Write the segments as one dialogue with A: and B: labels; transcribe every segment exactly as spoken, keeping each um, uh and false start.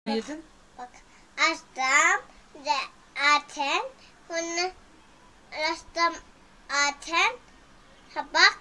A: Yedin.
B: Bak açtım de aten bunu açtım aten sabak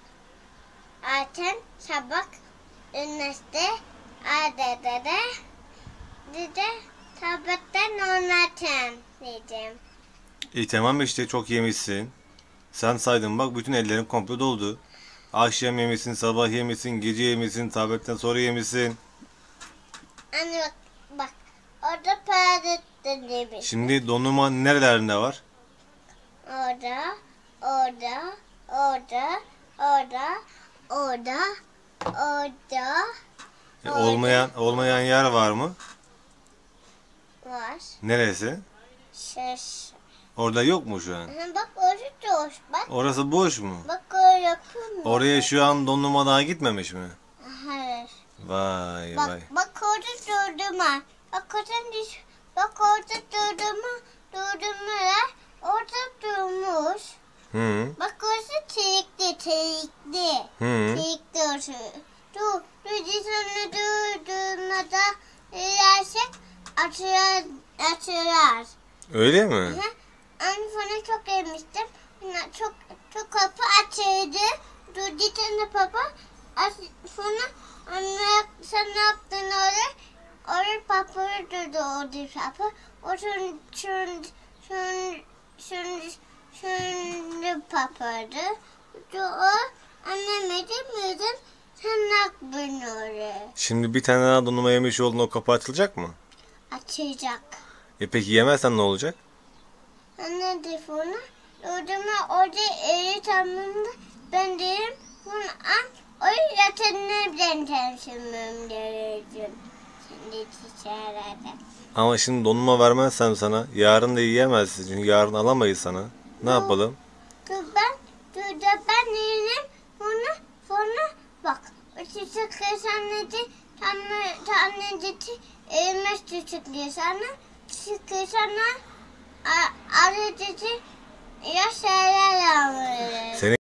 B: aten sabak üniversite adede de de tabaktan oynatın dedim.
C: İyi tamam işte çok yemişsin. Sen saydın bak bütün ellerin komple doldu. Akşam yemişsin, sabah yemişsin, gece yemişsin, tabletten sonra yemişsin.
B: Anne bak bak orada perde demiş.
C: Şimdi dondurma nerelerinde var?
B: Orada, orada, orada, orada, orada, orada
C: E, olmayan olmayan yer var mı?
B: var.
C: Neresi?
B: Şaş.
C: Orada yok mu şu an?
B: Aha, bak orası boş bak.
C: Orası boş mu?
B: Bak o yapıyor mu?
C: Oraya şu an dondurma daha gitmemiş mi?
B: Hayır.
C: Vay
B: Bak
C: vay.
B: bak orada durdurma. Bak orada düş. Bak orada durdurma. Durdurmalar orada durmuş.
C: Hı
B: Bak orası çelikli çelikli.
C: hı.
B: Çelikli orası. Dur. Dur sonra durdurmada ilersek açılır. Açılır.
C: Öyle mi?
B: Hı. Anne sonra çok yemiştim. Yine Çok çok kapı açıldı. Dur bir tane papa. Aç, sonra anne sen ne yaptın oraya? Oraya papa durdu orada papa. O şun şun şun şun şun papadı. O anne miydin miydin? Sen ne yaptın oraya?
C: Şimdi bir tane daha dondurma yemiş oldun, o kapı açılacak mı?
B: Açacak.
C: E peki yemezsen ne olacak?
B: Anne telefonu. Durdurma orada eli tamamında ben derim bunu an o yatağına ben tanışmam gerekiyor. Şimdi çiçeğlerde.
C: Ama şimdi dondurma vermezsem sana yarın da yiyemezsin çünkü yarın alamayız sana. Ne
B: Yok.
C: yapalım?
B: Dur ben, dur da ben yerim bunu sonra bak. O çiçek kesaneti tanrı tanrıcısı elmas çiçek kesana çiçek kesana arıcısı ya şeyler alır.
C: Senin